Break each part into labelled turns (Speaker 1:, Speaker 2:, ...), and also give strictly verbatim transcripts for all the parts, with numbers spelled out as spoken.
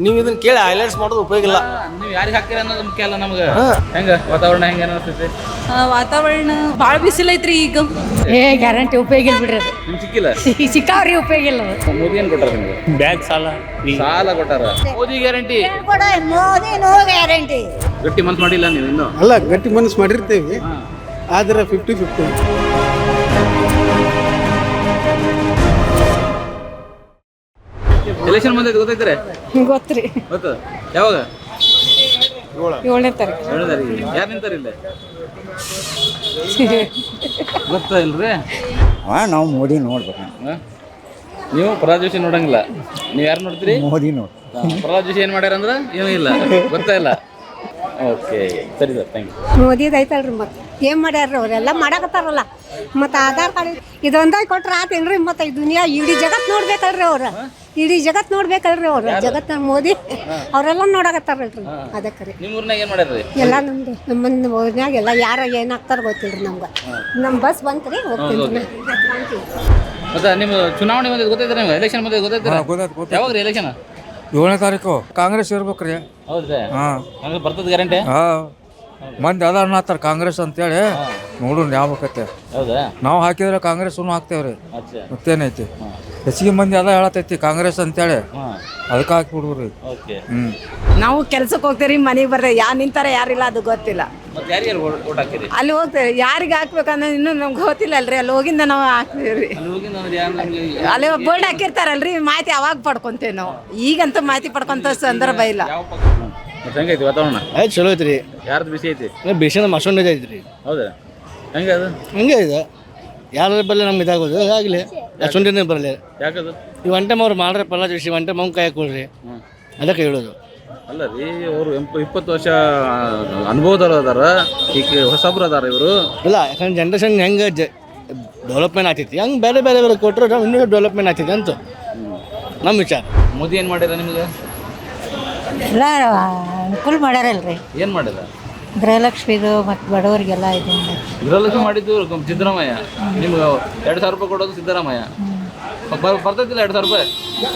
Speaker 1: ನೀವು ಇದನ್ನ ಕೇಳಿ ಹೈಲೈಟ್ಸ್ ಮಾಡೋದು ಉಪಯೋಗ ಇಲ್ಲ.
Speaker 2: ನೀವು ಯಾರಿಗೆ ಹಾಕ್ತೀರ ಅನ್ನೋದು ಮುಖ್ಯ ಅಲ್ಲ ನಮ್ಗೆ. ಹೆಂಗ ವಾತಾವರಣ ಹೆಂಗ ಅನಿಸ್ತೈತಿ?
Speaker 3: ವಾತಾವರಣ ಭಾಳ ಬಿಸಿಲೈತ್ರಿ ಈಗ.
Speaker 4: ಏ ಗ್ಯಾರಂಟಿ ಉಪಯೋಗ ಇಲ್ಲ ಬಿಡ್ರಿ ಅದು.
Speaker 2: ನಿಮ್ಗೆ ಸಿಕ್ಕಿಲ್ಲ?
Speaker 4: ಸಿಕ್ಕಾವ್ರಿ ಉಪಯೋಗ ಇಲ್ಲ ಅದು.
Speaker 2: ಮೋದಿ ಏನು ಕೊಟ್ಟಾರ ನಿಮ್ಗೆ?
Speaker 1: ಬ್ಯಾಂಕ್ ಸಾಲ
Speaker 2: ಸಾಲ ಕೊಟ್ಟಾರ. Modi guarantee.
Speaker 5: Modi no guarantee.
Speaker 2: ಗಟ್ಟಿ ಮನ್ಸು ಮಾಡಿಲ್ಲ ನೀವು ಇನ್ನು?
Speaker 6: ಅಲ್ಲ, ಗಟ್ಟಿ ಮನಸ್ಸು ಮಾಡಿರ್ತೀವಿ, ಆದರೆ ಫಿಫ್ಟಿ ಫಿಫ್ಟಿ.
Speaker 2: ಎಲೆಕ್ಷನ್ ಬಂದೈತೆ ಗೊತ್ತೈತ್ರಿ?
Speaker 4: ಗೊತ್ತ್ರಿ.
Speaker 2: ಗೊತ್ತು. ಯಾವಾಗ?
Speaker 4: ಏಳನೇ ತಾರೀಕು.
Speaker 2: ಏಳನೇ ತಾರೀಕಿಗೆ. ಯಾರು ನಿಂತಾರ ಇಲ್ಲೇ? ಗೊತ್ತಾ ಇಲ್ರಿ?
Speaker 7: ಹಾಂ, ನಾವು ಮೋದಿ ನೋಡ್ಬೇಕು.
Speaker 2: ನೀವು ಪ್ರಹ್ಲಾದ್ ಜೋಶಿ ನೋಡಂಗಿಲ್ಲ, ನೀವು ಯಾರು ನೋಡ್ತೀರಿ?
Speaker 7: ಮೋದಿ ನೋಡಿ.
Speaker 2: ಪ್ರಹ್ಲಾದ್ ಜೋಶಿ ಏನು ಮಾಡ್ಯಾರ ಅಂದ್ರೆ ಏನೂ ಇಲ್ಲ, ಗೊತ್ತಾ ಇಲ್ಲ. ಓಕೆ, ಸರಿ ಸರ್, ಥ್ಯಾಂಕ್ ಯು.
Speaker 5: ಮೋದಿದು ಐತಲ್ರಿ, ಮತ್ತೆ ಏನು ಮಾಡ್ಯಾರ್ರಿ ಅವರೆಲ್ಲ ಮಾಡಕತ್ತಾರಲ್ಲ. ಮತ್ತು ಆಧಾರ್ ಕಾರ್ಡ್ ಇದೊಂದಾಗಿ ಕೊಟ್ರೆ ಆತೇನ್ರಿ? ಮತ್ತು ಈ ದುನಿಯಾ ಇಡೀ ಜಗತ್ತು ನೋಡ್ಬೇಕಲ್ರಿ ಅವ್ರು, ಇಡೀ ಜಗತ್ತು ನೋಡ್ಬೇಕಲ್ರಿ ಅವ್ರು. ಜಗತ್ತು ಮೋದಿ ಅವರೆಲ್ಲ ನೋಡಕತ್ತಾರಲ್ರಿ, ಅದಕ್ಕೆ ರೀ.
Speaker 2: ನಿಮ್ಮ ಊರ್ನಾಗ ಏನು ಮಾಡ್ಯಾರ?
Speaker 5: ಎಲ್ಲ ನಮ್ದು ನಮ್ಮ ಊರಿನಾಗ ಎಲ್ಲ ಯಾರು ಏನಾಗ್ತಾರ ಗೊತ್ತಿಲ್ರಿ ನಮ್ಗೆ. ನಮ್ಮ ಬಸ್ ಬಂತು ರೀ, ಹೋಗ್ತೀನಿ.
Speaker 2: ಮತ್ತೆ ನಿಮ್ಮ ಚುನಾವಣೆ ಬಂದಿದ್ದು ಗೊತ್ತೈತೆ ನಿಮ್ಗೆ? ಎಲೆಕ್ಷನ್ ಬಂದಿದ್ದು ಗೊತ್ತೈತೆ? ಯಾವಾಗ ರೀ ಎಲೆಕ್ಷನ್?
Speaker 8: ಏಳನೇ ತಾರೀಕು. ಕಾಂಗ್ರೆಸ್ ಇರ್ಬೇಕು ರೀ.
Speaker 2: ಹೌದ್ರಿ?
Speaker 8: ಹಾಂ,
Speaker 2: ಕಾಂಗ್ರೆಸ್ ಬರ್ತದ ಗ್ಯಾರಂಟಿ?
Speaker 8: ಹಾಂ, ಮಂದಿ ಅದ ಅನ್ನತ್ತಾರ ಕಾಂಗ್ರೆಸ್ ಅಂತೇಳಿ. ನೋಡೋಣ ಯಾವಕತ್ತೆ.
Speaker 2: ಹೌದಾ?
Speaker 8: ನಾವು ಹಾಕಿದ್ರೆ ಕಾಂಗ್ರೆಸ್ನು ಹಾಕ್ತೇವ್ರಿ.
Speaker 2: ಅಚ್ಚಾ.
Speaker 8: ಮತ್ತೇನೈತಿ, ಹೆಚ್ಚಿಗೆ ಮಂದಿ ಅದ ಹೇಳತೈತಿ ಕಾಂಗ್ರೆಸ್ ಅಂತೇಳಿ, ಅದಕ್ಕೆ ಹಾಕ್ಬಿಡ್ರಿ.
Speaker 2: ಓಕೆ.
Speaker 8: ಹ್ಞೂ,
Speaker 3: ನಾವು ಕೆಲ್ಸಕ್ಕೆ ಹೋಗ್ತೀರಿ, ಮನೆಗೆ ಬರ್ರಿ, ಯಾರು ನಿಂತಾರ ಯಾರಿಲ್ಲ ಅದು ಗೊತ್ತಿಲ್ಲ.
Speaker 2: ಮತ್ತೆ ಯಾರ್ಯಾರು ಓಟ್ ಹಾಕಿರಿ?
Speaker 3: ಅಲ್ಲಿ ಹೋಗ್ತೇವೆ, ಯಾರಿಗೆ ಹಾಕ್ಬೇಕನ್ನೋದು ಇನ್ನೂ ನಮ್ಗೆ ಗೊತ್ತಿಲ್ಲ ಅಲ್ರಿ. ಅಲ್ಲಿ ಹೋಗಿಂದ ನಾವು ಹಾಕ್ತೀವಿ ರೀ.
Speaker 2: ಅಲ್ಲಿ ಹೋಗಿ ಅಂದ್ರೆ ಯಾರು ನಮಗೆ
Speaker 3: ಅಲ್ಲಿ ಬೋರ್ಡ್ ಹಾಕಿರ್ತಾರಲ್ರಿ, ಮಾಹಿತಿ ಅವಾಗ ಪಡ್ಕೊಂತೇವೆ ನಾವು. ಈಗಂತೂ ಮಾಹಿತಿ ಪಡ್ಕೊಂತ ಸಂದರ್ಭ ಇಲ್ಲ.
Speaker 2: ಯಾವ ಪಕ್ಷ? ಮತ್ತೆ ಹೆಂಗೈತಿ ವಾತಾವರಣ?
Speaker 1: ಆಯ್ತು, ಚಲೋ ಐತ್ರಿ.
Speaker 2: ಯಾರ್ದು ಬಿಸಿ ಐತಿ?
Speaker 1: ಬೇಷನ್ ಮಸೊಂಡ ಐತ್ರಿ.
Speaker 2: ಹೌದಾ? ಹೆಂಗೆ ಅದು?
Speaker 1: ಹಂಗೆ ಇದೆ, ಯಾರ ಬರಲಿ ನಮ್ಗೆ ಇದಾಗೋದು ಆಗಲಿ, ಅಷ್ಟೊಂದೇನೆ ಬರಲಿ.
Speaker 2: ಯಾಕದು?
Speaker 1: ಈ ಒನ್ ಟೈಮ್ ಅವ್ರು ಮಾಡ್ರೆ ಪಲ್ಲ ಜೋಶಿ, ಒನ್ ಟೈಮ್ ಅವ್ನು ಕೈ ಹಾಕೊಳ್ರಿ, ಅದಕ್ಕೆ ಹೇಳೋದು.
Speaker 2: ಅಲ್ಲ ರೀ, ಅವರು ಇಪ್ಪತ್ತು ವರ್ಷ ಅನುಭವದವ್ರು ಅದಾರ, ಈಗ ಹೊಸಬ್ರು ಅದಾರ ಇವರು.
Speaker 1: ಇಲ್ಲ, ಯಾಕಂದ್ರೆ ಜನ್ರೇಷನ್ ಹೆಂಗೆ ಜ ಡೆವಲಪ್ಮೆಂಟ್ ಆಗ್ತೈತಿ, ಹಂಗೆ ಬೇರೆ ಬೇರೆ ಬೇರೆ ಕೊಟ್ಟರೆ ನಾವು ಇನ್ನೂ ಡೆವಲಪ್ಮೆಂಟ್ ಆಗ್ತೈತಿ ಅಂತ ನಮ್ಮ ವಿಚಾರ.
Speaker 2: ಮೋದಿ ಏನು ಮಾಡ್ಯಾರ ನಿಮ್ಗೆ?
Speaker 5: ಎಲ್ಲ ಅನುಕೂಲ ಮಾಡ್ಯಾರಲ್ರಿ.
Speaker 2: ಏನು ಮಾಡಿಲ್ಲ?
Speaker 5: ಗೃಹಲಕ್ಷ್ಮಿದು ಮತ್ತು ಬಡವರಿಗೆಲ್ಲ ಇದು
Speaker 2: ಗೃಹಲಕ್ಷ್ಮಿ ಮಾಡಿದ್ದು ಸಿದ್ದರಾಮಯ್ಯ. ನಿಮ್ಗೆ ಎರಡು ಸಾವಿರ ರೂಪಾಯಿ ಕೊಡೋದು ಸಿದ್ದರಾಮಯ್ಯ. ಬರ್ ಬರ್ತೈತಿಲ್ಲ ಎರಡು ಸಾವಿರ ರೂಪಾಯಿ?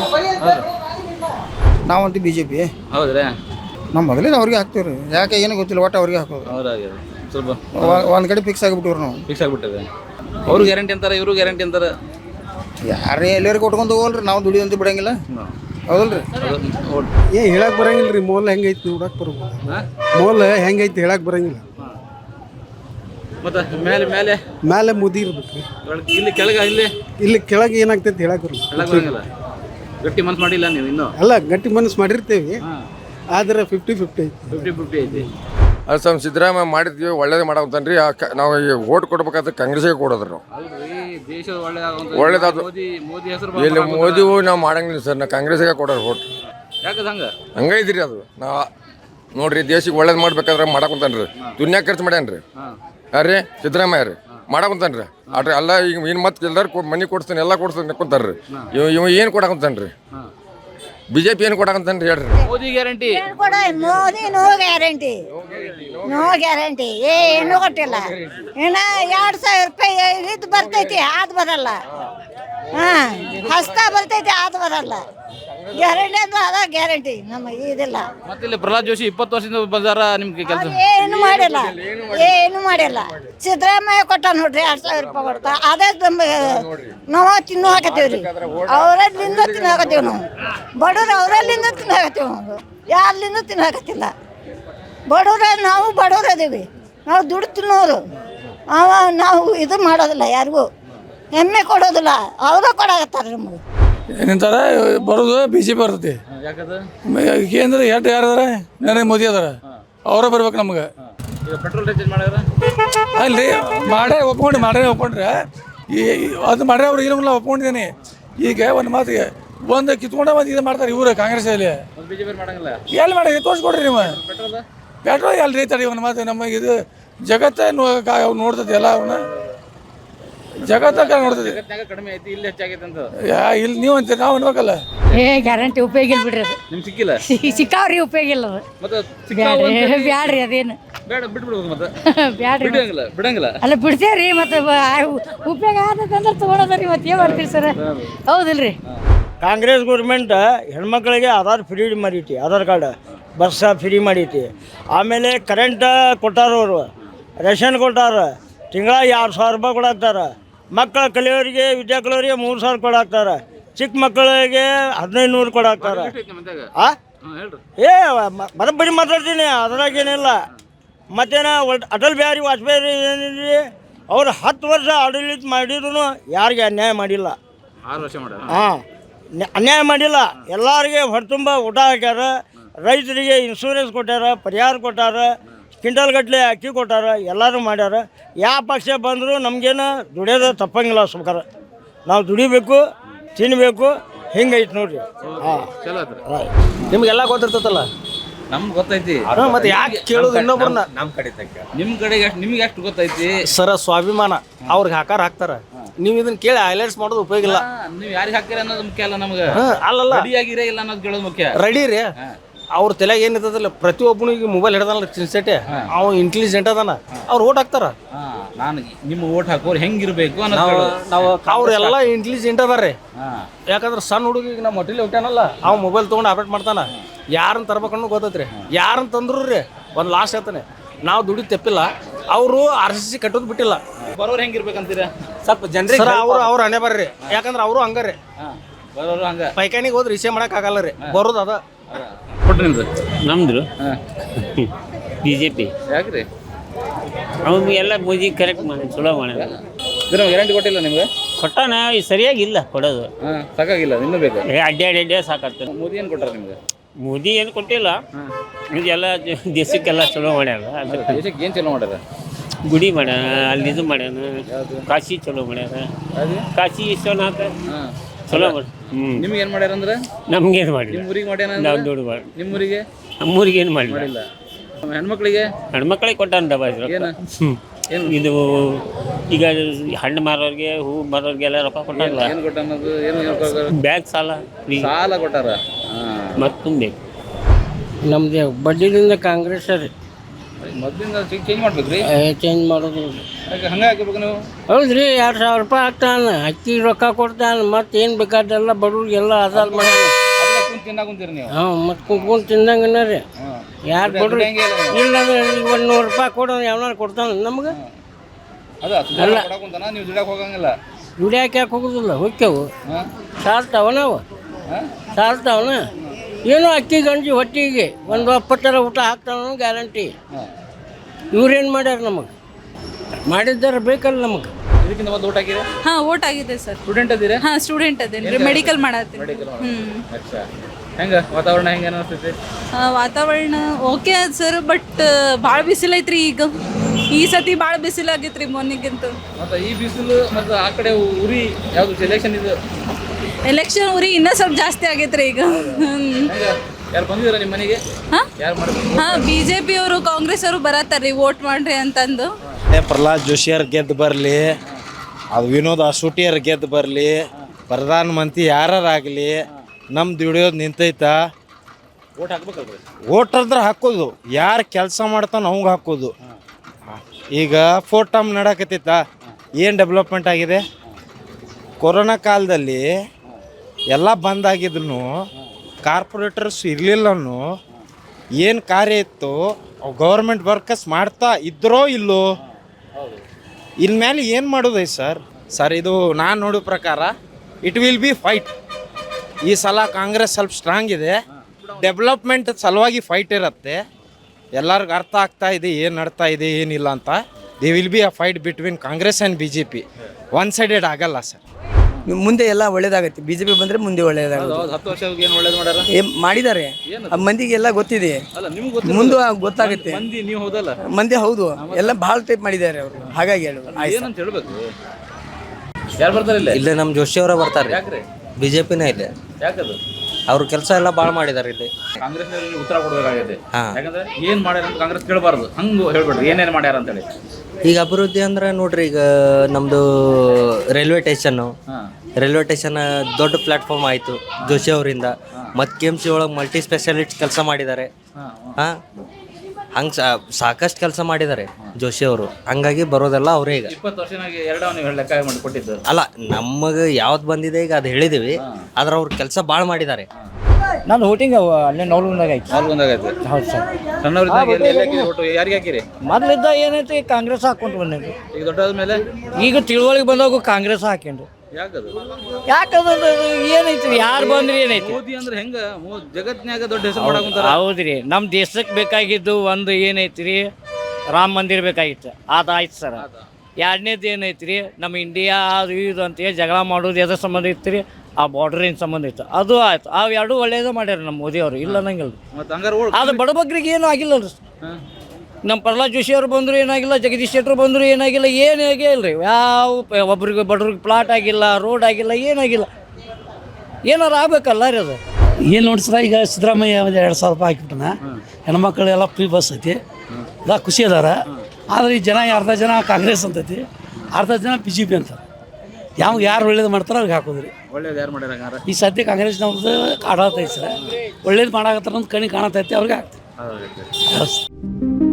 Speaker 7: ನಾವಂತೂ ಬಿ ಜೆ ಪಿ.
Speaker 2: ಹೌದ್ರಾ?
Speaker 7: ನಾವು ಮೊದಲಿಂದ ಅವ್ರಿಗೆ ಹಾಕ್ತೀವಿ ರೀ. ಯಾಕೆ ಏನು ಗೊತ್ತಿಲ್ಲ, ಒಟ್ಟು ಅವ್ರಿಗೆ ಹಾಕೋದು.
Speaker 2: ಹೌದಾಗ್ಯದ. ಸ್ವಲ್ಪ
Speaker 7: ಒಂದು ಕಡೆ ಫಿಕ್ಸ್ ಆಗಿಬಿಟ್ಟಿವ್ರಿ ನಾವು.
Speaker 2: ಫಿಕ್ಸ್ ಆಗಿಬಿಟ್ಟಿದೆ. ಅವರು ಗ್ಯಾರಂಟಿ ಅಂತಾರೆ, ಇವರು ಗ್ಯಾರಂಟಿ ಅಂತಾರೆ.
Speaker 7: ಯಾರೇ ಎಲ್ಲರಿಗೆ ಕೊಟ್ಕೊಂಡು ಹೋಗಲ್ರಿ, ನಾವು ದುಡಿಯಂತ ಬಿಡಂಗಿಲ್ಲ. ಹೌದಲ್ರಿ?
Speaker 6: ಏ ಹೇಳಕ್ಕೆ ಬರಂಗಿಲ್ಲ ರೀ. ಮೋಲ್ ಹೆಂಗೈತಿ ನೋಡಕ್ಕೆ ಬರ್ಬೋದು. ಮೋಲ್ ಹೆಂಗೈತಿ ಹೇಳಕ್ಕೆ ಬರಂಗಿಲ್ಲ.
Speaker 2: ಮತ್ತೆ ಮೇಲೆ ಮೇಲೆ
Speaker 6: ಮೇಲೆ ಮುದಿ ಇರ್ಬೇಕು ರೀ.
Speaker 2: ಇಲ್ಲಿ ಕೆಳಗೆ ಇಲ್ಲಿ
Speaker 6: ಇಲ್ಲಿ ಕೆಳಗೆ ಏನಾಗ್ತೈತಿ ಹೇಳಕ್ಕೆ ಬರಲ್ಲ.
Speaker 2: ಕೆಳಗೆ ಬರಂಗಿಲ್ಲ. ಗಟ್ಟಿ ಮನ್ಸು ಮಾಡಿಲ್ಲ ನೀವು ಇನ್ನೂ?
Speaker 6: ಅಲ್ಲ, ಗಟ್ಟಿ ಮನಸ್ಸು ಮಾಡಿರ್ತೀವಿ, ಆದರೆ ಫಿಫ್ಟಿ ಫಿಫ್ಟಿ ಐತಿ.
Speaker 2: ಫಿಫ್ಟಿ ಫಿಫ್ಟಿ ಐತಿ.
Speaker 9: ಅದು ಸ್ವಲ್ಪ ಸಿದ್ದರಾಮಯ್ಯ ಮಾಡಿದ್ವಿ, ಒಳ್ಳೇದು ಮಾಡಂತಾನೆ ರೀ. ನಾವು ಈ ಓಟ್ ಕೊಡ್ಬೇಕಾದ್ರೆ ಕಾಂಗ್ರೆಸ್ಗೆ ಕೊಡೋದ್ರಿ ನಾವು.
Speaker 2: ದೇಶ
Speaker 9: ಒಳ್ಳೇದಾದ್ರು
Speaker 2: ಮೋದಿ ಮೋದಿ ಹೆಸರು
Speaker 9: ಇಲ್ಲಿ ಮೋದಿಗೂ ನಾವು ಮಾಡಂಗಿಲ್ಲ ಸರ್, ನಾವು ಕಾಂಗ್ರೆಸ್ಗೆ ಕೊಡೋರು ಓಟ್.
Speaker 2: ಯಾಕದ ಹಂಗೆ?
Speaker 9: ಹಂಗೈತಿ ರೀ ಅದು. ನಾವು ನೋಡ್ರಿ, ದೇಶಕ್ಕೆ ಒಳ್ಳೇದು ಮಾಡ್ಬೇಕಾದ್ರೆ ಮಾಡಕೊಂತಾನೆ ರೀ. ದುನಿಯಾ ಖರ್ಚು ಮಾಡ್ಯಾನ ರೀ. ಹಾಂ ರೀ, ಸಿದ್ದರಾಮಯ್ಯ ರೀ ಮಾಡಕೊಂತಾನೆ ರೀ. ಆಡ್ರಿ ಎಲ್ಲ ಈಗ ಏನು ಮತ್ತೆ ಎಲ್ಲರೂ ಮನೆ ಕೊಡ್ತಾನೆ, ಎಲ್ಲ ಕೊಡ್ತಾನೆ ನಕ್ಕೊಂತಾರೆ ರೀ. ಇವ ಇವ ಏನು ಕೊಡಕಂತಾನೆ ರೀ? ಬಿ ಜೆ ಪಿ ಏನು ಕೊಡಕಂತಾನೆ ರೀ? ಹೇಳ್ರಿ.
Speaker 2: Modi guarantee.
Speaker 5: Modi no guarantee, no guarantee ಏನು ಕೊಟ್ಟಿಲ್ಲ. ಇನ್ನು ಎರಡು ಸಾವಿರ ರೂಪಾಯಿ ಇದು ಬರ್ತೈತಿ, ಅದು ಬರಲ್ಲ. ಹಾಂ, ಹಸ್ತ ಬರ್ತೈತಿ, ಅದು ಬರಲ್ಲ. ಗ್ಯಾರಂಟಿ ಅಂದ್ರೆ ಅದ ಗ್ಯಾರಂಟಿ, ನಮಗೆ ಇದಿಲ್ಲ.
Speaker 2: ಮತ್ತೆ ಇಲ್ಲಿ ಪ್ರಹ್ಲಾದ್ ಜೋಶಿ ಇಪ್ಪತ್ತು ವರ್ಷದಿಂದ ಬಂದಾರ, ನಿಮ್ಗೆ ಕೆಲಸ
Speaker 5: ಏನು ಮಾಡಿಲ್ಲ, ಏನು ಮಾಡಿಲ್ಲ. ಸಿದ್ದರಾಮಯ್ಯ ಕೊಟ್ಟ ನೋಡ್ರಿ, ಎರಡು ಸಾವಿರ ರೂಪಾಯಿ ಕೊಡ್ತಾ, ಅದೇ ನಾವು ತಿನ್ನು ಹಾಕತ್ತೀವಿ ರೀ. ಅವರಲ್ಲಿಂದ ತಿನ್ನು ಹಾಕತ್ತೀವಿ ನಾವು. ಬಡವ್ರು ಅವರಲ್ಲಿಂದ ತಿನ್ನು ಹಾಕತ್ತೀವಿ, ನಾವು ಯಾರಲ್ಲಿಂದ ತಿನ್ನು ಹಾಕತ್ತಿಲ್ಲ. ಬಡವ್ರ ನಾವು ಬಡವ್ರು ಅದೀವಿ, ನಾವು ದುಡ್ಡು ತಿನ್ನೋರು. ಅವ ನಾವು ಇದು ಮಾಡೋದಿಲ್ಲ, ಯಾರಿಗೂ ಹೆಮ್ಮೆ ಕೊಡೋದಿಲ್ಲ. ಅವರ ಕೊಡಾಕತ್ತಾರೆ ನಮಗೆ.
Speaker 8: ಏನಂತಾರೆ ಬರೋದು ಬಿ ಜೆ ಪಿ ಬರ್ತೈತಿ.
Speaker 2: ಯಾಕದು?
Speaker 8: ಏಕೆಂದ್ರೆ ಎಷ್ಟು ಯಾರು ಅದಾರ? ನರೇಂದ್ರ ಮೋದಿ ಅದಾರ, ಅವರೇ ಬರ್ಬೇಕು ನಮ್ಗೆ.
Speaker 2: ಈಗ ಪೆಟ್ರೋಲ್ ರೇಟ್ ಮಾಡ್ಯಾರ
Speaker 8: ಅಲ್ರಿ, ಮಾಡೇ ಒಪ್ಕೊಂಡು ಮಾಡೇ ಒಪ್ಕೊಂಡ್ರೆ ಈ ಅದು ಮಾಡ್ರೆ ಅವ್ರು ಇಲ್ಲ ಒಪ್ಕೊಂಡಿದ್ದೀನಿ. ಈಗ ಒಂದು ಮಾತಿಗೆ ಒಂದು ಕಿತ್ಕೊಂಡ ಒಂದು ಇದು ಮಾಡ್ತಾರೆ ಇವರು ಕಾಂಗ್ರೆಸ್ಸಲ್ಲಿ.
Speaker 2: ಬಿಜೆಪಿ ಮಾಡಂಗಿಲ್ಲ.
Speaker 8: ಎಲ್ಲಿ ಮಾಡಿ ತೋರಿಸ್ಕೊಡ್ರಿ ನೀವು.
Speaker 2: ಪೆಟ್ರೋಲ್
Speaker 8: ಪೆಟ್ರೋಲ್ ಎಲ್ಲಿ ರೈತರಿ ಒಂದು ಮಾತು. ನಮಗೆ ಇದು ಜಗತ್ತೇ ನೋಡ್ತೈತಿ, ಎಲ್ಲ ಅವನ್ನ ಜಗತ್ತಾಗ ನೋಡ್ತೈತಿ.
Speaker 2: ಕಡಿಮೆ ಐತಿ, ಇಲ್ಲಿ ಹೆಚ್ಚಾಗೈತೆ ಅಂತ.
Speaker 8: ಯಾ ಇಲ್ಲಿ ನೀವು ಅಂತೀರಿ, ನಾವು ಅನ್ಬೇಕಲ್ಲ.
Speaker 4: ಏ ಗ್ಯಾರಂಟಿ ಉಪಯೋಗ ಇಲ್ಲ ಬಿಡ್ರಿ ಅದು.
Speaker 2: ನಿಮ್ಗೆ ಸಿಕ್ಕಿಲ್ಲ?
Speaker 4: ಸಿಕ್ಕಾವ್ರಿ ಉಪಯೋಗ ಇಲ್ಲ ಅದು.
Speaker 2: ಮತ್ತೆ
Speaker 4: ಬ್ಯಾಡ್ರಿ ಅದೇನು
Speaker 2: ಬೇಡ, ಬಿಟ್ಬಿಡ್ಬೇಕು. ಮತ್ತೆ
Speaker 4: ಬ್ಯಾಡ್ರಿ,
Speaker 2: ಬಿಡಂಗಿಲ್ಲ ಬಿಡಂಗಿಲ್ಲ
Speaker 4: ಅಲ್ಲ ಬಿಡ್ತೇವ್ರಿ. ಮತ್ತೆ ಉಪಯೋಗ ಆದಂದ್ರೆ ತೊಗೊಳೋದ್ರಿ. ಮತ್ತೆ ಏನು ಮಾಡ್ತೀರಿ ಸರ್? ಹೌದಿಲ್ರಿ?
Speaker 1: ಕಾಂಗ್ರೆಸ್ ಗೌರ್ಮೆಂಟ್ ಹೆಣ್ಮಕ್ಳಿಗೆ ಆಧಾರ್ ಫ್ರೀ ಮಾಡೈತಿ, ಆಧಾರ್ ಕಾರ್ಡ್ ಬಸ್ ಫ್ರೀ ಮಾಡೈತಿ. ಆಮೇಲೆ ಕರೆಂಟ್ ಕೊಟ್ಟಾರ, ಅವರು ರೇಷನ್ ಕೊಟ್ಟಾರ, ತಿಂಗಳ ಎರಡು ಸಾವಿರ ರೂಪಾಯಿ ಕೊಡಾಕ್ತಾರೆ. ಮಕ್ಕಳ ಕಲಿಯೋರಿಗೆ ವಿದ್ಯಾ ಕಲಿಯೋರಿಗೆ ಮೂರು ಸಾವಿರ ಕೊಡಾಕ್ತಾರೆ. ಚಿಕ್ಕ ಮಕ್ಕಳಿಗೆ ಹದಿನೈದು ನೂರು ಕೊಡಾಕ್ತಾರೆ. ಆ ಏ ಬರೋಬ್ಬರಿ ಮಾತಾಡ್ತೀನಿ, ಅದ್ರಾಗೇನಿಲ್ಲ. ಮತ್ತೇನ ಅಟಲ್ ಬಿಹಾರಿ ವಾಜಪೇಯಿ ಏನಿದ್ರಿ, ಅವ್ರು ಹತ್ತು ವರ್ಷ ಆಡಳಿತ ಮಾಡಿದ್ರು ಯಾರಿಗೆ ಅನ್ಯಾಯ ಮಾಡಿಲ್ಲ. ಹಾಂ, ಅನ್ಯಾಯ ಮಾಡಿಲ್ಲ. ಎಲ್ಲರಿಗೆ ಹೊರತುಂಬ ಊಟ ಹಾಕ್ಯಾರ, ರೈತರಿಗೆ ಇನ್ಶೂರೆನ್ಸ್ ಕೊಟ್ಟಾರ, ಪರಿಹಾರ ಕೊಟ್ಟಾರ, ಕ್ವಿಂಟಲ್ ಗಟ್ಟಲೆ ಅಕ್ಕಿ ಕೊಟ್ಟಾರ, ಎಲ್ಲರೂ ಮಾಡ್ಯಾರ. ಯಾವ ಪಕ್ಷ ಬಂದರೂ ನಮಗೇನು ದುಡಿಯೋದು ತಪ್ಪಂಗಿಲ್ಲ. ಸುಮ್ಕಾರ ನಾವು ದುಡಿಬೇಕು, ತಿನ್ನಬೇಕು, ಹಿಂಗೈತೆ ನೋಡ್ರಿ. ಹಾಂ, ನಿಮಗೆಲ್ಲ ಗೊತ್ತಿರ್ತೈತಲ್ಲ.
Speaker 2: ನಮ್ಗೆ ಗೊತ್ತೈತಿ,
Speaker 1: ಮತ್ತೆ ಯಾಕೆ ಕೇಳೋದು ಇನ್ನೊಬ್ರನ್ನ?
Speaker 2: ನಮ್ಮ ಕಡೆ ನಿಮ್ಮ ಕಡೆಗೆ ಎಷ್ಟು ನಿಮ್ಗೆ ಎಷ್ಟು ಗೊತ್ತೈತಿ
Speaker 1: ಸರ ಸ್ವಾಭಿಮಾನ ಅವ್ರಿಗೆ ಹಾಕಾರ ಹಾಕ್ತಾರ. ನೀವು ಇದನ್ನ ಕೇಳಿ ಹೈಲೈಟ್ಸ್ ಮಾಡೋದು ಉಪಯೋಗ ಇಲ್ಲ.
Speaker 2: ನೀವು ಯಾರಿಗೆ ಹಾಕಿರ ಅನ್ನೋದು ಮುಖ್ಯ ಅಲ್ಲ ನಮ್ಗೆ.
Speaker 1: ಅಲ್ಲಲ್ಲ,
Speaker 2: ರೆಡಿಯಾಗಿರೇ ಇಲ್ಲ ಅನ್ನೋದು ಕೇಳೋದು ಮುಖ್ಯ.
Speaker 1: ರೆಡಿ ರೀ. ಅವ್ರ ತಲೆಗೆ ಏನಿರ್ತದಲ್ಲ, ಪ್ರತಿಯೊಬ್ಬನಿಗೆ ಮೊಬೈಲ್ ಹಿಡ್ದಲ್ಲ ಚಿನ್ಸೆಟೆ, ಅವ ಇಂಟೆಲಿಜೆಂಟ್ ಅದಾನ, ಅವ್ರು ಓಟ್ ಹಾಕ್ತಾರ.
Speaker 2: ನಾನು ನಿಮ್ಮ ಓಟ್ ಹಾಕೋರು ಹೆಂಗಿರ್ಬೇಕು ಅನ್ನೋದು
Speaker 1: ನಾವು ಅವ್ರೆಲ್ಲ ಇಂಟೆಲಿಜೆಂಟ್ ಅದಾರೆ. ಯಾಕಂದ್ರೆ ಸಣ್ಣ ಹುಡುಗಿಗೆ ನಮ್ಮ ಹೊಟ್ಟಿಲಿ ಹುಟ್ಟಾನಲ್ಲ, ಅವ್ ಮೊಬೈಲ್ ತೊಗೊಂಡು ಆಪ್ರೇಟ್ ಮಾಡ್ತಾನ. ಯಾರನ್ನ ತರ್ಬೇಕನ್ನೋ ಗೊತ್ತೈತ್ರಿ. ಯಾರನ್ನ ತಂದ್ರು ರೀ ಒಂದು ಲಾಸ್ಟ್ ಹೇಳ್ತಾನೆ, ನಾವು ದುಡಿ ತೆಪ್ಪಿಲ್ಲ, ಅವರು ಆರ್ ಸಿ ಸಿ ಕಟ್ಟೋದು ಬಿಟ್ಟಿಲ್ಲ.
Speaker 2: ಬರೋರು ಹೆಂಗಿರ್ಬೇಕಂತೀರ?
Speaker 1: ಸ್ವಲ್ಪ ಜನರಿಗೆ ಅವ್ರು ಅವ್ರು ಹಣೆ ಬರ್ರಿ. ಯಾಕಂದ್ರೆ ಅವರು ಹಂಗಾರೆ
Speaker 2: ಬರೋರು ಹಂಗ
Speaker 1: ಪೈಖಾನಿಗೆ ಹೋದ್ರೆ ರಿಸೀವ್ ಮಾಡಕ್ ಆಗಲ್ಲ ರೀ, ಬರೋದು ಅದ.
Speaker 2: ಕೊಟ್ರಿ ನಿಮ್ದು?
Speaker 10: ನಮ್ದು ಬಿ ಜೆ ಪಿ.
Speaker 2: ಯಾಕ್ರಿ?
Speaker 10: ಅವ್ನು ಎಲ್ಲ ಮೋದಿ ಕರೆಕ್ಟ್ ಮಾಡಿ ಚಲೋ ಮಾಡ್ಯಾರ.
Speaker 2: ಇದ್ರ ಗ್ಯಾರಂಟಿ ಕೊಟ್ಟಿಲ್ಲ ನಿಮ್ಗೆ?
Speaker 10: ಕೊಟ್ಟಾನ, ಸರಿಯಾಗಿಲ್ಲ ಕೊಡೋದು.
Speaker 2: ಹಾಂ, ಸಾಕಾಗಿಲ್ಲ, ಇನ್ನೂ ಬೇಕು.
Speaker 10: ಏ ಅಡ್ಡಾಡಿ ಅಡ್ಡೇ ಸಾಕಾಗ್ತದೆ.
Speaker 2: ಮೋದಿ ಏನು ಕೊಟ್ಟಾರ ನಿಮ್ಗೆ?
Speaker 10: ಮೋದಿ ಏನು ಕೊಟ್ಟಿಲ್ಲ, ಇದೆಲ್ಲ ದೇಶಕ್ಕೆಲ್ಲ ಚಲೋ ಮಾಡ್ಯಾರ. ಅದ್ರ
Speaker 2: ದೇಶಕ್ಕೆ ಏನು ಚಲೋ ಮಾಡ್ಯಾರ?
Speaker 10: ಗುಡಿ ಮಾಡ್ಯಾನ, ಅಲ್ಲಿ ಇದು ಮಾಡ್ಯಾನ, ಕಾಶಿ ಚಲೋ ಮಾಡ್ಯಾರ, ಕಾಶಿ ವಿಶ್ವನಾಥ ಚಲೋ ಮಾಡಿ. ಹ್ಞೂ,
Speaker 2: ನಿಮ್ಗೆ ಏನು ಮಾಡ್ಯಾರ ಅಂದ್ರೆ?
Speaker 10: ನಮ್ಗೇನು ಮಾಡಿಲ್ಲ.
Speaker 2: ನಿಮ್ಮ ಊರಿಗೆ ಮಾಡ್ಯಾನ?
Speaker 10: ನಾವು ದುಡ್ಡು ಮಾಡಿ.
Speaker 2: ನಿಮ್ಮ ಊರಿಗೆ?
Speaker 10: ನಮ್ಮೂರಿಗೆ ಏನು ಮಾಡಿಲ್ಲ.
Speaker 2: ಮಾಡಿಲ್ಲ. ಹೆಣ್ಮಕ್ಳಿಗೆ?
Speaker 10: ಹೆಣ್ಮಕ್ಳಿಗೆ ಕೊಟ್ಟಾನ ಡಬ್ಬ
Speaker 2: ಏನು?
Speaker 10: ಏನು ಇದು ಈಗ ಹಣ್ಣು ಮಾರೋರಿಗೆ, ಹೂ ಮಾರೋರಿಗೆಲ್ಲ ರೊಕ್ಕ ಕೊಟ್ಟಾರಲ್ಲ.
Speaker 2: ಏನು ಕೊಟ್ಟ ಅನ್ನೋದು? ಏನು
Speaker 10: ಬ್ಯಾಂಕ್ ಸಾಲ
Speaker 2: ಸಾಲ ಕೊಟ್ಟಾರ?
Speaker 10: ಮತ್ತೆ ತುಂಬಬೇಕು.
Speaker 1: ನಮ್ದು ಬಡ್ಡಿದಿಂದ ಕಾಂಗ್ರೆಸ್ ರೀ.
Speaker 2: ಮೊದಲಿಂದ ಚೇಂಜ್ ಮಾಡ್ಬೇಕ್ರಿ?
Speaker 1: ಚೇಂಜ್ ಮಾಡೋದು
Speaker 2: ಯಾಕೆ ಹಂಗೆ ಹಾಕಿಬೇಕು ನೀವು?
Speaker 1: ಹೌದ್ರಿ, ಎರಡು ಸಾವಿರ ರೂಪಾಯಿ ಹಾಕ್ತಾನ, ಅಕ್ಕಿ ರೊಕ್ಕ ಕೊಡ್ತಾನ, ಮತ್ತೆ ಏನು ಬೇಕಾದೆಲ್ಲ ಬಡವ್ರಿಗೆಲ್ಲ ಅದಾಲ್ ಮಾಡ್ಯಾನ.
Speaker 2: ಅದಕ್ಕೆ ಕುಂತು ತಿನ್ನಾಕ ಕುಂತೀರಿ ನೀವು?
Speaker 1: ಹಾಂ, ಮತ್ತೆ ಕುಂತ್ಕೊಂಡು ತಿಂದಂಗನ ರೀ. ಯಾರು ಕೊಡ್ರಿ? ಇಲ್ಲ ಅಂದ್ರೆ ಈಗ ಒಂದು ನೂರು ರೂಪಾಯಿ ಕೊಡೋದು ಯಾವನಾರು ಕೊಡ್ತಾನ ನಮ್ಗೆ?
Speaker 2: ಅದ ಕುಂತಾನ, ನೀವು ದುಡ್ಯಾಕ ಹೋಗಂಗಿಲ್ಲ.
Speaker 1: ದುಡ್ಯಾಕೆ ಯಾಕೆ ಹೋಗೋದಿಲ್ಲ? ಹೋಗ್ತೇವು, ಸಾಲ್ತಾವ ನಾವು, ಸಾಲ್ತಾವನ. ಏನೋ ಅಕ್ಕಿ ಗಂಜಿ ಹೊಟ್ಟಿಗೆ ಒಂದು ಒಪ್ಪತ್ತರ ಊಟ ಹಾಕ್ತಾವ ಗ್ಯಾರಂಟಿ. ಇವ್ರೇನು ಮಾಡ್ಯಾರ ನಮಗೆ? ಮಾಡಿದ್ದಾರೆ ಬೇಕಲ್ಲ ನಮಗೆ.
Speaker 2: ಇದಕ್ಕಿಂತ ಮೊದಲು ಓಟ್ ಹಾಕಿದ್ರೆ?
Speaker 11: ಹಾಂ, ಓಟ್ ಆಗಿದೆ ಸರ್.
Speaker 2: ಸ್ಟೂಡೆಂಟ್ ಅದಿರಾ?
Speaker 11: ಹಾಂ, ಸ್ಟೂಡೆಂಟ್ ಅದೇನು ರೀ, ಮೆಡಿಕಲ್ ಮಾಡತ್ತೀನಿ. ಹ್ಞೂ.
Speaker 2: ಅಚ್ಚಾ, ಹೆಂಗೆ ವಾತಾವರಣ ಹೆಂಗೆ ಅನಿಸ್ತೈತಿ?
Speaker 11: ವಾತಾವರಣ ಓಕೆ ಅದ ಸರ್, ಬಟ್ ಭಾಳ ಬಿಸಿಲೈತ್ರಿ ಈಗ. ಈ ಸತಿ ಭಾಳ ಬಿಸಿಲಾಗೈತೆ ರೀ ಮೊನ್ನೆಗಿಂತ.
Speaker 2: ಮತ್ತು ಈ ಬಿಸಿಲು ಮತ್ತು ಆ ಕಡೆ ಉರಿ ಯಾವುದು ಎಲೆಕ್ಷನ್ ಇದು?
Speaker 11: ಎಲೆಕ್ಷನ್ ಉರಿ ಇನ್ನೂ ಸ್ವಲ್ಪ ಜಾಸ್ತಿ ಆಗೈತೆ ರೀ ಈಗ.
Speaker 2: ಯಾರು ಬಂದಿದ್ದೀರಾ ನಿಮ್ಮ ಮನೆಗೆ?
Speaker 11: ಹಾಂ
Speaker 2: ಯಾರು ಮಾಡ್ಬೇಕು?
Speaker 11: ಹಾಂ, ಬಿ ಜೆ ಪಿ ಅವರು ಕಾಂಗ್ರೆಸ್ ಅವರು ಬರತ್ತಾರ್ರಿ ವೋಟ್ ಮಾಡ್ರಿ ಅಂತಂದು.
Speaker 12: ಪ್ರಹ್ಲಾದ್ ಜೋಶಿಯರ್ ಗೆದ್ದು ಬರಲಿ, ಅದು ವಿನೋದ್ ಅಸೂಟಿಯರ್ ಗೆದ್ದು ಬರಲಿ, ಪ್ರಧಾನ ಮಂತ್ರಿ ಯಾರಾಗಲಿ, ನಮ್ಮ ದುಡಿಯೋದು ನಿಂತೈತ.
Speaker 2: ಓಟ್ ಹಾಕ್ಬೇಕಲ್ರಿ?
Speaker 12: ಓಟ್ ಅಂದ್ರೆ ಹಾಕೋದು, ಯಾರು ಕೆಲಸ ಮಾಡ್ತಾನೆ ಅವಂಗೆ ಹಾಕೋದು. ಈಗ ಫೋರ್ ಟರ್ಮ್ ನಡಕತ್ತೈತ, ಏನು ಡೆವಲಪ್ಮೆಂಟ್ ಆಗಿದೆ? ಕೊರೋನಾ ಕಾಲದಲ್ಲಿ ಎಲ್ಲ ಬಂದಾಗಿದ್ರು ಕಾರ್ಪೊರೇಟರ್ಸ್ ಇರಲಿಲ್ಲನು ಏನು ಕಾರ್ಯ ಇತ್ತು ಗೌರ್ಮೆಂಟ್ ವರ್ಕರ್ಸ್ ಮಾಡ್ತಾ ಇದ್ರೋ ಇಲ್ಲೋ? ಇನ್ಮೇಲೆ ಏನು ಮಾಡೋದೈತೆ ಸರ್? ಸರ್ ಇದು ನಾನು ನೋಡೋ ಪ್ರಕಾರ ಇಟ್ ವಿಲ್ ಬಿ ಫೈಟ್. ಈ ಸಲ ಕಾಂಗ್ರೆಸ್ ಸ್ವಲ್ಪ ಸ್ಟ್ರಾಂಗ್ ಇದೆ, ಡೆವಲಪ್ಮೆಂಟ್ ಸಲುವಾಗಿ ಫೈಟ್ ಇರುತ್ತೆ. ಎಲ್ಲರಿಗೂ ಅರ್ಥ ಆಗ್ತಾ ಇದೆ ಏನು ನಡ್ತಾ ಇದೆ ಏನಿಲ್ಲ ಅಂತ. They will be a fight between Congress and B J P. One sided ಆಗಲ್ಲ ಸರ್.
Speaker 13: ಮುಂದೆ ಎಲ್ಲ ಒಳ್ಳೇದಾಗತ್ತೆ. ಬಿ ಜೆ ಪಿ ಬಂದರೆ ಮುಂದೆ ಒಳ್ಳೇದಾಗುತ್ತೆ.
Speaker 2: ಹತ್ತು ವರ್ಷ ಏನು ಒಳ್ಳೇದು ಮಾಡ್ಯಾರ?
Speaker 13: ಏನ್ ಮಾಡಿದ್ದಾರೆ, ಆ ಮಂದಿಗೆಲ್ಲ ಗೊತ್ತಿದೆ,
Speaker 2: ಅಲ್ಲ ನಿಮ್ಗೆ ಗೊತ್ತಿಲ್ಲ,
Speaker 13: ಮುಂದೆ ಗೊತ್ತಾಗುತ್ತೆ.
Speaker 2: ಮಂದಿ ನೀವು ಹೌದಲ್ಲ?
Speaker 13: ಮಂದಿ ಹೌದು, ಎಲ್ಲ ಭಾಳ ಟೈಪ್ ಮಾಡಿದ್ದಾರೆ ಅವರು. ಹಾಗಾಗಿ ಹೇಳುವ
Speaker 2: ಏನಂತ ಹೇಳ್ಬೇಕು? ಯಾರು ಬರ್ತಾರೆ ಇಲ್ಲ?
Speaker 14: ಇಲ್ಲೇ ನಮ್ಮ ಜೋಶಿ ಅವರ ಬರ್ತಾರೆ.
Speaker 2: ಯಾಕ್ರಿ?
Speaker 14: ಬಿ ಜೆ ಪಿನೇ ಇದೆ.
Speaker 2: ಯಾಕದು?
Speaker 14: ಅವ್ರ ಕೆಲಸ ಎಲ್ಲ ಭಾಳ ಮಾಡಿದ್ದಾರೆ ಇಲ್ಲಿ.
Speaker 2: ಕಾಂಗ್ರೆಸ್ನವ್ರಿಗೆ ಉತ್ತರ ಕೊಡಬೇಕಾಗಿದೆ. ಯಾಕಂದ್ರೆ ಏನು ಮಾಡ್ಯಾರ ಅಂತ ಕಾಂಗ್ರೆಸ್ ಕೇಳಬಾರ್ದು, ಹಂಗೆ ಹೇಳ್ಬೇಡ್ರಿ ಏನೇನು ಮಾಡ್ಯಾರ ಅಂತೇಳಿ.
Speaker 14: ಈಗ ಅಭಿವೃದ್ಧಿ ಅಂದ್ರೆ ನೋಡ್ರಿ, ಈಗ ನಮ್ಮದು ರೈಲ್ವೆ ಸ್ಟೇಷನ್ನು ರೈಲ್ವೆ ಸ್ಟೇಷನ್ ದೊಡ್ಡ ಪ್ಲಾಟ್ಫಾರ್ಮ್ ಆಯಿತು ಜೋಶಿ ಅವರಿಂದ. ಮತ್ತು ಕೆ ಎಮ್ ಸಿ ಒಳಗೆ ಮಲ್ಟಿ ಸ್ಪೆಷಾಲಿಟಿ ಕೆಲಸ ಮಾಡಿದ್ದಾರೆ. ಹಾಂ, ಹಂಗೆ ಸಾಕಷ್ಟು ಕೆಲಸ ಮಾಡಿದ್ದಾರೆ ಜೋಶಿ ಅವರು, ಹಂಗಾಗಿ ಬರೋದೆಲ್ಲ ಅವರೇ ಈಗ.
Speaker 2: ಇಪ್ಪತ್ತು ವರ್ಷನಾಗಿ ಎರಡವ ನೀವು ಲೆಕ್ಕ ಮಾಡಿ ಕೊಟ್ಟಿದ್ದು
Speaker 14: ಅಲ್ಲ, ನಮಗೆ ಯಾವ್ದು ಬಂದಿದೆ ಈಗ ಅದು ಹೇಳಿದ್ದೀವಿ, ಆದ್ರೆ ಅವ್ರು ಕೆಲಸ ಭಾಳ ಮಾಡಿದ್ದಾರೆ.
Speaker 1: ನಾನು ವೋಟಿಂಗ್ ಅಲ್ಲೇ ನವಲಗುಂದಾಗ ಐತಿ.
Speaker 2: ನವಲಗುಂದಾಗೈತೆ.
Speaker 1: ಹೌದು ಸರ್.
Speaker 2: ಸಣ್ಣವ್ರಿದ್ದಾಗ ಎಲ್ಲಿ ಎಲ್ಲಿ ಹಾಕಿರಿ ಒಟ್ಟು ಯಾರಿಗೆ ಹಾಕಿರಿ?
Speaker 1: ಮೊದಲಿದ್ದ ಏನೈತಿ ಕಾಂಗ್ರೆಸ್ ಹಾಕೊಂಡು ಬಂದೇನಿ.
Speaker 2: ಈಗ ದೊಡ್ಡಾದ ಮೇಲೆ
Speaker 1: ಈಗ ತಿಳುವಳಿಗೆ ಬಂದಾಗ ಕಾಂಗ್ರೆಸ್ ಹಾಕ್ಯಂಡು.
Speaker 2: ಯಾಕದು?
Speaker 1: ಯಾಕಂದ್ರೆ ಏನೈತಿ, ಯಾರು ಬಂದ್ರಿ ಏನೈತಿ?
Speaker 2: ಮೋದಿ ಅಂದ್ರೆ ಹೆಂಗ ಮೋ- ಜಗತ್ನ್ಯಾಗ ದೊಡ್ಡ ಹೆಸರು ಮಾಡಾಕುಂತಾರ.
Speaker 1: ಹೌದ್ರಿ, ನಮ್ಮ ದೇಶಕ್ಕೆ ಬೇಕಾಗಿದ್ದು ಒಂದು ಏನೈತ್ರಿ, ರಾಮ ಮಂದಿರ ಬೇಕಾಗಿತ್ತು, ಅದಾಯ್ತು ಸರ್. ಎರಡನೇದು ಏನೈತ್ರಿ, ನಮ್ಮ ಇಂಡಿಯಾ ಅದು ಇದು ಅಂತೇಳಿ ಜಗಳ ಮಾಡೋದು ಎದ್ರ ಸಂಬಂಧ ಇತ್ತು ರೀ, ಆ ಬಾರ್ಡ್ರಿನ ಸಂಬಂಧ ಇತ್ತು, ಅದು ಆಯ್ತು. ಅವು ಎರಡು ಒಳ್ಳೇದು ಮಾಡ್ಯಾರ ನಮ್ಮ ಮೋದಿ ಅವರು, ಇಲ್ಲ ಅನ್ನಂಗಿಲ್ಲ.
Speaker 2: ಮತ್ತೆ ಹಂಗಾರೆ ಓಡ್-
Speaker 1: ಅದು ಬಡಬಗ್ರಿಗೆ ಏನೂ ಆಗಿಲ್ಲ ರೀ. ನಮ್ಮ ಪ್ರಹ್ಲಾದ್ ಜೋಶಿ ಅವರು ಬಂದರು ಏನಾಗಿಲ್ಲ, ಜಗದೀಶ್ ಶೆಟ್ಟರು ಬಂದರು ಏನಾಗಿಲ್ಲ, ಏನಾಗೇ ಇಲ್ಲ ರೀ. ಯಾವ ಪ- ಒಬ್ರಿಗೆ ಬಡವ್ರಿಗೆ ಪ್ಲಾಟ್ ಆಗಿಲ್ಲ, ರೋಡ್ ಆಗಿಲ್ಲ, ಏನಾಗಿಲ್ಲ. ಏನಾರು ಆಗ್ಬೇಕಲ್ಲ ರೀ ಅದು.
Speaker 15: ಏನು ನೋಡ್ಸ್ರ ಈಗ ಸಿದ್ದರಾಮಯ್ಯ ಒಂದು ಎರಡು ಸಾವಿರ ರೂಪಾಯಿ ಹಾಕಿಬಿಟ್ಟನ, ಹೆಣ್ಮಕ್ಳೆಲ್ಲ ಫ್ರೀ ಬಸ್ ಐತಿ, ಅದ ಖುಷಿ ಅದಾರ. ಆದರೆ ಈ ಜನ ಅರ್ಧ ಜನ ಕಾಂಗ್ರೆಸ್ ಅಂತೈತಿ, ಅರ್ಧ ಜನ ಬಿ ಜೆ ಪಿ ಅಂತಾರೆ. ಯಾವ ಯಾರು ಒಳ್ಳೇದು ಮಾಡ್ತಾರೋ ಅವ್ರಿಗೆ ಹಾಕೋದ್ರಿ.
Speaker 2: ಒಳ್ಳೇದು ಯಾರು ಮಾಡ್ಯಾರ ಹಂಗಾರೆ?
Speaker 15: ಈ ಸದ್ಯ ಕಾಂಗ್ರೆಸ್ನವ್ರದ್ದು ಆಡತೈತಿ ಸರ್, ಒಳ್ಳೇದು ಮಾಡಾಕತ್ತಾರ ಅಂತ ಕಣಿ ಕಾಣತೈತಿ, ಅವ್ರಿಗೆ ಹಾಕ್ತೀವಿ.
Speaker 2: ಹೌದೈತೆ.